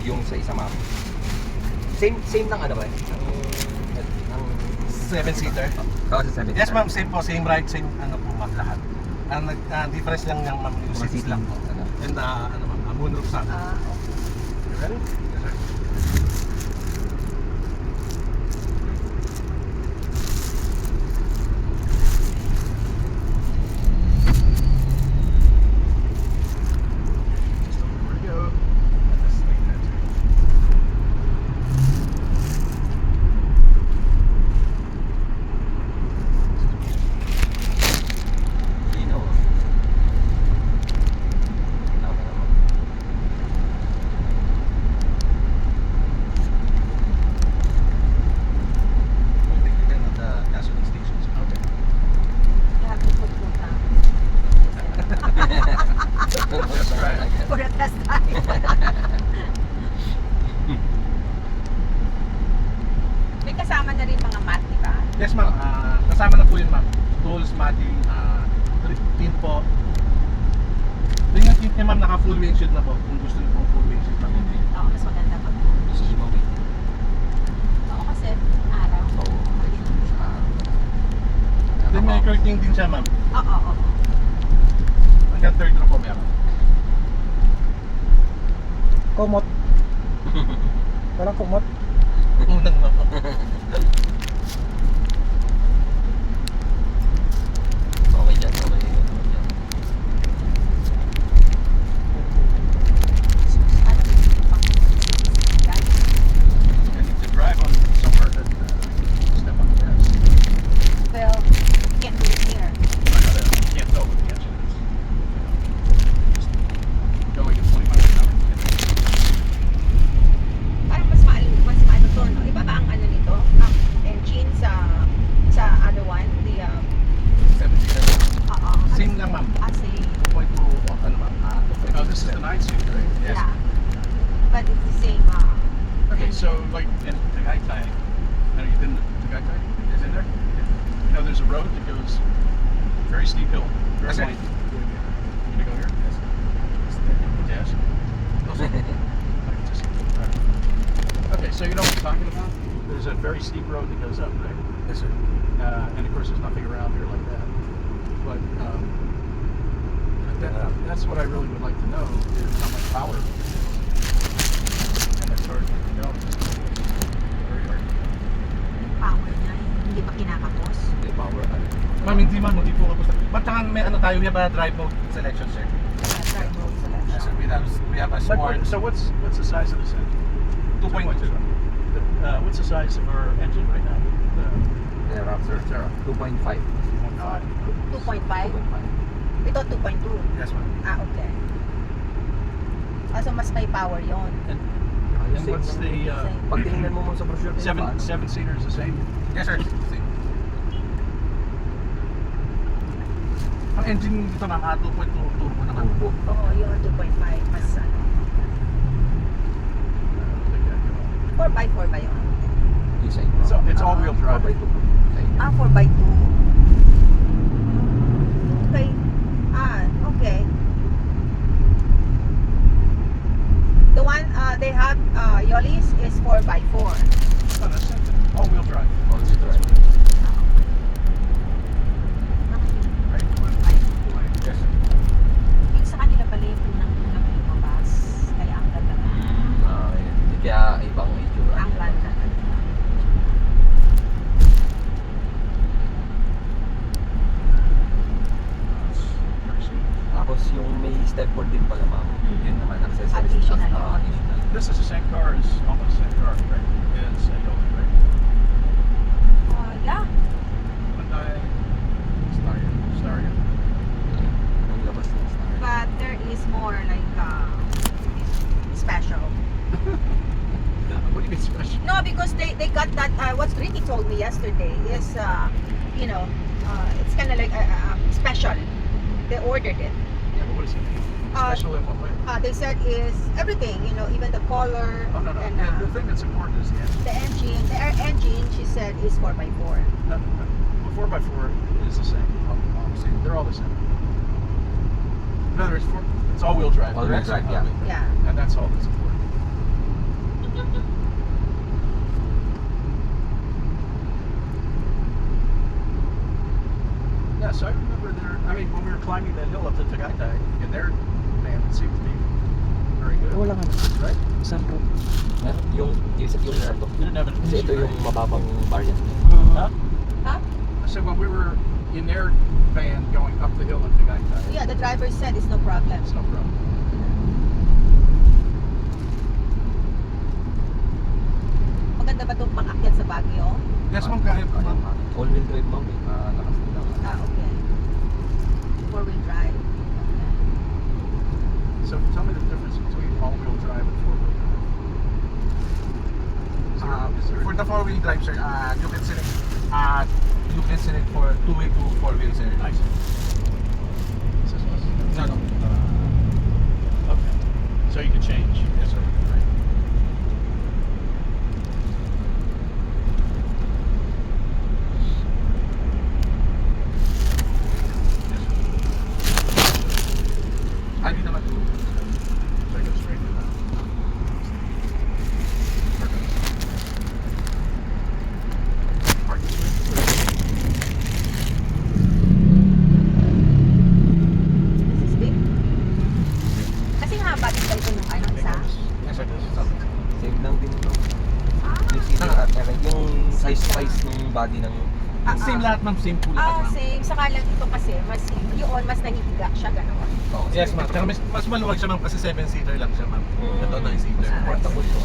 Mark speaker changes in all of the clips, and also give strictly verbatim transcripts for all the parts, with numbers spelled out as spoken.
Speaker 1: yung sa isa, ma'am. Same same lang ano ba? Ang ang
Speaker 2: Seven-seater?
Speaker 1: oh, sa seven.
Speaker 2: Yes ma'am, same po, same ride, same ano po ma'am lahat. Ang nag uh, difference lang ng ma'am yung seats lang po.
Speaker 1: Ano?
Speaker 2: And uh, ano ma'am, uh, moonroof sa amin.
Speaker 3: Ah, okay.
Speaker 2: You ready? Yes sir. Just over where to go. And this thing that's it.
Speaker 1: Linaw. Tama naman.
Speaker 2: I think we're at the gasoline stations. Okay.
Speaker 3: You have to put food down.
Speaker 2: That's right.
Speaker 3: For a test drive. May kasama na rin mga mat, di ba?
Speaker 2: Yes ma'am, Ah, kasama na po yun ma'am. Tools, matting, uh, tin po. Yung yung tint niya ma'am, naka full windshield na po. Kung gusto niyo po full windshield ma'am.
Speaker 3: Oo, mas maganda pag
Speaker 1: Sa Imaw eh.
Speaker 3: oo, kasi araw.
Speaker 1: Oo. Ah.
Speaker 2: Then may curtain din siya ma'am.
Speaker 3: Oo, oo, oo.
Speaker 2: Hanggang third na po meron.
Speaker 4: Kumot. Parang kumot.
Speaker 2: Unang ma'am.
Speaker 1: Okay dyan, okay. Okay dyan.
Speaker 3: Ano yung pang guys?
Speaker 2: I need to drive on somewhere that uh, step on the gas.
Speaker 3: Well, you can't do it here.
Speaker 2: I gotta, can't go with the engine. It's, you know, just going at twenty miles an hour.
Speaker 3: Parang mas maal, mas maano to, no? Iba ba ang ano nito? Ang engine sa sa other one? The, um,
Speaker 2: seventeen.
Speaker 3: oo.
Speaker 2: Same lang ma'am.
Speaker 3: Ah, same.
Speaker 2: two point two, ano ma'am? Oh, this is the nine seater, right? Yes.
Speaker 3: Yeah. But it's the same, uh,
Speaker 2: Okay, so like in Tagaytay, have you been to Tagaytay? Is in there? You know, there's a road that goes very steep hill. Very
Speaker 1: Okay.
Speaker 2: wide. Can I go here? Yes. Yes. Just- Okay, so you know what I'm talking about? There's a very steep road that goes up, right?
Speaker 1: Yes, sir.
Speaker 2: Uh, and of course, there's nothing around here like that. But um, that, uh, that's what I really would like to know is how much power. And that's hard to know. Very hard.
Speaker 3: power niya. Hindi pa kinakapos.
Speaker 1: Hindi, power ano.
Speaker 2: Ma'am, hindi ma'am, hindi po kapos. Ba't saka may ano tayo, we have a drive mode selection, sir.
Speaker 3: Kaya drive mode selection.
Speaker 2: So we have, we have a smart. So what's what's the size of this engine? two point two. Uh, what's the size of our engine right now? The
Speaker 1: Yeah, Raptor, sir. two point five.
Speaker 3: two point five?
Speaker 1: two point five.
Speaker 3: Ito two point two.
Speaker 2: Yes, ma'am.
Speaker 3: Ah, okay. Ah, so mas may power yon.
Speaker 2: And,
Speaker 1: Ayos
Speaker 2: and
Speaker 1: eh.
Speaker 2: what's the uh,
Speaker 1: Pag tinignan mo mo sa brochure,
Speaker 2: seven seven seater is the same? Yes, sir. Ang engine dito ng uh, two point two turbo naman.
Speaker 1: Turbo.
Speaker 3: Oo, yung two point five. Mas ano. four by four ba yun?
Speaker 1: Design.
Speaker 2: So it's all-wheel drive.
Speaker 1: four by two.
Speaker 3: Ah, four by two. Okay. Ah, okay. The one uh, they have, uh, Yolis, is four by four.
Speaker 2: Oh, that's it. All-wheel drive.
Speaker 1: All-wheel drive.
Speaker 2: Right?
Speaker 1: Yes, sir.
Speaker 3: Yung sa kanila pala yung unang-unang lumabas. Kaya ang ganda na.
Speaker 1: Ah, yun. Kaya ibang itsura.
Speaker 3: Ang ganda na.
Speaker 1: Tapos yung may stepboard din pala, ma'am. Yun naman, accessories.
Speaker 3: Additional.
Speaker 1: Ah, additional.
Speaker 2: This is the same car as almost the same car, right? As a Yola, right?
Speaker 3: Uh, yeah.
Speaker 2: Hyundai Starion. Starion.
Speaker 1: Yung labas ng star.
Speaker 3: But there is more like uh, special.
Speaker 2: What do you mean special?
Speaker 3: No, because they, they got that, uh, what Ricky told me yesterday is, uh, you know, uh, it's kind of like uh, uh, special. They ordered it.
Speaker 2: Yeah, but what does it mean?
Speaker 3: Uh,
Speaker 2: Special in what way?
Speaker 3: Uh, they said is everything, you know, even the color
Speaker 2: Oh, no, no.
Speaker 3: and
Speaker 2: Yeah,
Speaker 3: uh,
Speaker 2: the thing that's important is the engine.
Speaker 3: the engine. The air engine, she said, is four by four.
Speaker 2: No, no. The four by four is the same. Obviously, they're all the same. In other words, four, it's all-wheel drive.
Speaker 1: All-wheel
Speaker 2: correct?
Speaker 1: drive, yeah.
Speaker 3: Yeah.
Speaker 2: And that's all that's important. Yes, I remember there. I mean, when we were climbing that hill up to Tagaytay, in their van, it seemed to be very good.
Speaker 4: Wala nga.
Speaker 2: Right?
Speaker 4: Sunroof.
Speaker 1: Yung, yung, yung ano.
Speaker 2: You didn't have an
Speaker 1: Kasi ito yung mababang variant.
Speaker 2: Huh?
Speaker 3: Huh?
Speaker 2: I said when we were in their van going up the hill in Tagaytay,
Speaker 3: Yeah, the driver said it's no problem.
Speaker 2: it's no problem.
Speaker 3: Maganda ba itong pang-akyat sa Baguio?
Speaker 2: Yes, ma'am, kahit ma'am.
Speaker 1: All-wheel drive ma'am eh. Ah, lakas nila.
Speaker 3: Ah, okay. Four-wheel drive. Okay.
Speaker 2: So tell me the difference between all-wheel drive and four-wheel drive. Is there,
Speaker 5: Uh,
Speaker 2: is there
Speaker 5: for the four-wheel drive, sir, uh, you can select, uh, you can select for two-way to four-wheel, sir.
Speaker 2: Nice. Is this one?
Speaker 5: No, no.
Speaker 2: Okay. So you can change.
Speaker 5: Yes, sir.
Speaker 2: Right.
Speaker 5: Ah, di naman.
Speaker 2: So I go straight to that. Park this way.
Speaker 3: This is big. Kasi haba din daw ito nung ano isa.
Speaker 5: Yes, sir.
Speaker 1: Same lang din no.
Speaker 3: Ah,
Speaker 1: Yung seating at saka yung size size ng body ng
Speaker 3: Ah,
Speaker 5: Same
Speaker 3: ah.
Speaker 5: lahat, ma'am. Same full
Speaker 3: Ah,
Speaker 5: lahat, ma'am.
Speaker 3: same. Saka lang ito kasi, mas yun, mas nahihiga siya, gano'n.
Speaker 1: oh,
Speaker 5: Yes, ma'am. Tsaka mas, mas maluwag siya, ma'am, kasi seven-seater lang siya, ma'am.
Speaker 3: Mm.
Speaker 5: Ito, nine-seater.
Speaker 3: Ah,
Speaker 1: portable to.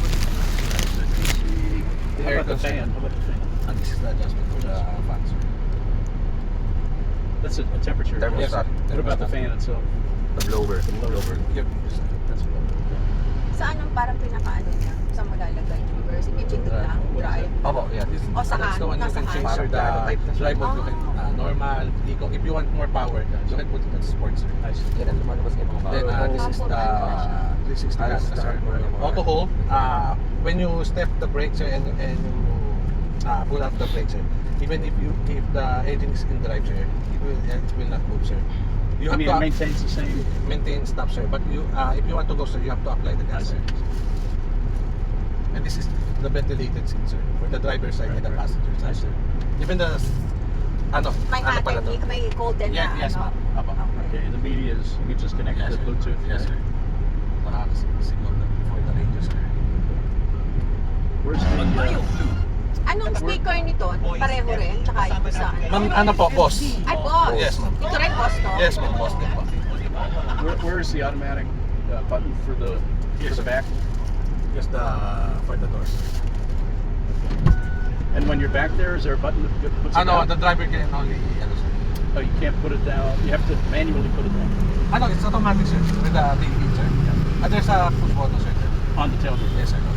Speaker 5: The
Speaker 2: How
Speaker 5: air
Speaker 2: about the fan? How about the fan?
Speaker 5: And this is the adjustment for the fan, sir.
Speaker 2: That's a, a temperature.
Speaker 1: Thermostat.
Speaker 2: What about the fan itself?
Speaker 1: The blower. The blower.
Speaker 5: Yep.
Speaker 2: That's what.
Speaker 3: Saan ang parang pinakaano niya? Saan malalagay? Reverse? Pindot lang? Drive?
Speaker 1: Opo, yeah. This,
Speaker 3: O saan?
Speaker 5: That's the one you
Speaker 3: Nasa
Speaker 5: can change,
Speaker 3: hand?
Speaker 5: sir. The
Speaker 1: Parang type na siya.
Speaker 5: drive mode, you can,
Speaker 3: Ah.
Speaker 5: uh, normal, eco. If you want more power, you can put it on sports, sir.
Speaker 2: Nice.
Speaker 1: yan ang lumalabas kayo mga
Speaker 5: Then uh, this is the three sixty
Speaker 1: Ah,
Speaker 5: gas,
Speaker 1: this is
Speaker 5: sir.
Speaker 1: the-
Speaker 5: Auto hold. Uh, when you step the brake, sir, and and you uh, pull out the brake, sir. Even if you if the engine is in drive, sir, it will it will not move, sir. You
Speaker 2: I
Speaker 5: have
Speaker 2: mean, it
Speaker 5: to
Speaker 2: maintains the same.
Speaker 5: maintain stop, sir. But you uh, if you want to go, sir, you have to apply the gas, sir. And this is the ventilated seat, sir, for the driver's side and the
Speaker 2: Right, right.
Speaker 5: passenger side, sir. Even the ano,
Speaker 3: May
Speaker 5: ano
Speaker 3: hot
Speaker 5: pala
Speaker 3: and
Speaker 5: to?
Speaker 3: may golden
Speaker 5: Yeah,
Speaker 3: na
Speaker 5: yes,
Speaker 3: ano?
Speaker 5: ma'am. Apo.
Speaker 2: Okay, the media is you can just connect
Speaker 5: Yes,
Speaker 2: to
Speaker 5: sir.
Speaker 2: Bluetooth.
Speaker 5: Yes, sir. Nakakasignal na for the radio, sir.
Speaker 2: Where's the uh,
Speaker 3: Anong speaker nito? Pareho rin? Tsaka ito sa ano?
Speaker 5: Ma'am, ano po, boss?
Speaker 3: Ay, boss!
Speaker 5: Yes, ma'am.
Speaker 3: Ito rin, boss to?
Speaker 5: Yes, ma'am, boss din po.
Speaker 2: where, where is the automatic uh, button for the
Speaker 5: Yes,
Speaker 2: for the
Speaker 5: sir.
Speaker 2: back?
Speaker 5: Just the for the doors.
Speaker 2: And when you're back there, is there a button that puts it
Speaker 5: Ano,
Speaker 2: down?
Speaker 5: the driver can only ano, sir.
Speaker 2: Oh, you can't put it down. You have to manually put it down
Speaker 5: Ano, it's automatic, sir, with the T V, sir. And there's a push button, sir.
Speaker 2: on the tailgate.
Speaker 5: Yes, sir.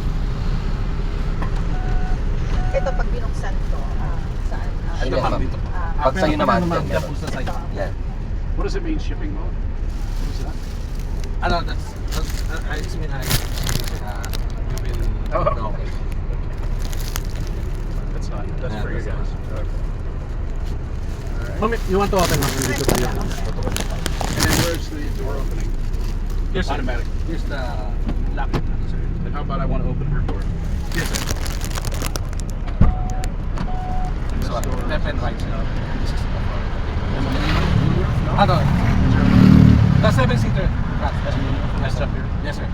Speaker 3: Ito, pag binuksan to, ah, saan? Ah,
Speaker 5: Ito,
Speaker 1: Yes,
Speaker 5: ma'am,
Speaker 1: ma'am.
Speaker 5: dito po.
Speaker 3: ah,
Speaker 1: Pag sa'yo naman,
Speaker 5: Ano, ma'am,
Speaker 1: yan,
Speaker 5: yan
Speaker 1: meron.
Speaker 5: po sa side.
Speaker 1: Yan.
Speaker 2: What does it mean, shipping mode? What is that?
Speaker 5: Ano, that's, that's, uh, it's mean, uh, uh, you will,
Speaker 2: Oh,
Speaker 5: no,
Speaker 2: okay. That's not. That's
Speaker 5: Yeah,
Speaker 2: for you
Speaker 5: that's
Speaker 2: guys.
Speaker 5: not.
Speaker 2: Okay. All right.
Speaker 5: Ma'am, you want to open, ma'am? Dito po yung
Speaker 2: And then where's the door opening?
Speaker 5: Yes, sir.
Speaker 2: Automatic.
Speaker 5: Here's the lock, ano, sir.
Speaker 2: And how about I want to open her door?
Speaker 5: Yes, sir.
Speaker 2: And
Speaker 5: So,
Speaker 2: this door-
Speaker 5: left and right, sir. This is the
Speaker 2: And the moonroof? No?
Speaker 5: Ano? The seven-seater. Yes,
Speaker 2: That's moonroof. That's up here.
Speaker 5: Yes, sir.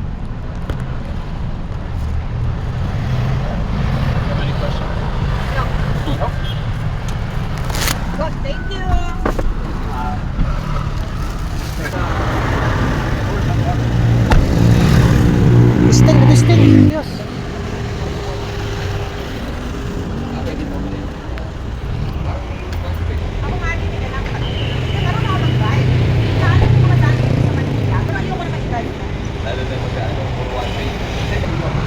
Speaker 2: Have any questions?
Speaker 3: no.
Speaker 5: Nope.
Speaker 3: Good, thank you!
Speaker 4: Testing, testing. Yes.
Speaker 3: Ako nga din, eh, kailangan pa. Nagkaroon ako mag-drive. Saan ako mga dati sa Manila? Pero ayoko na mag-drive na.
Speaker 1: Lalo na mag-ano, for one way.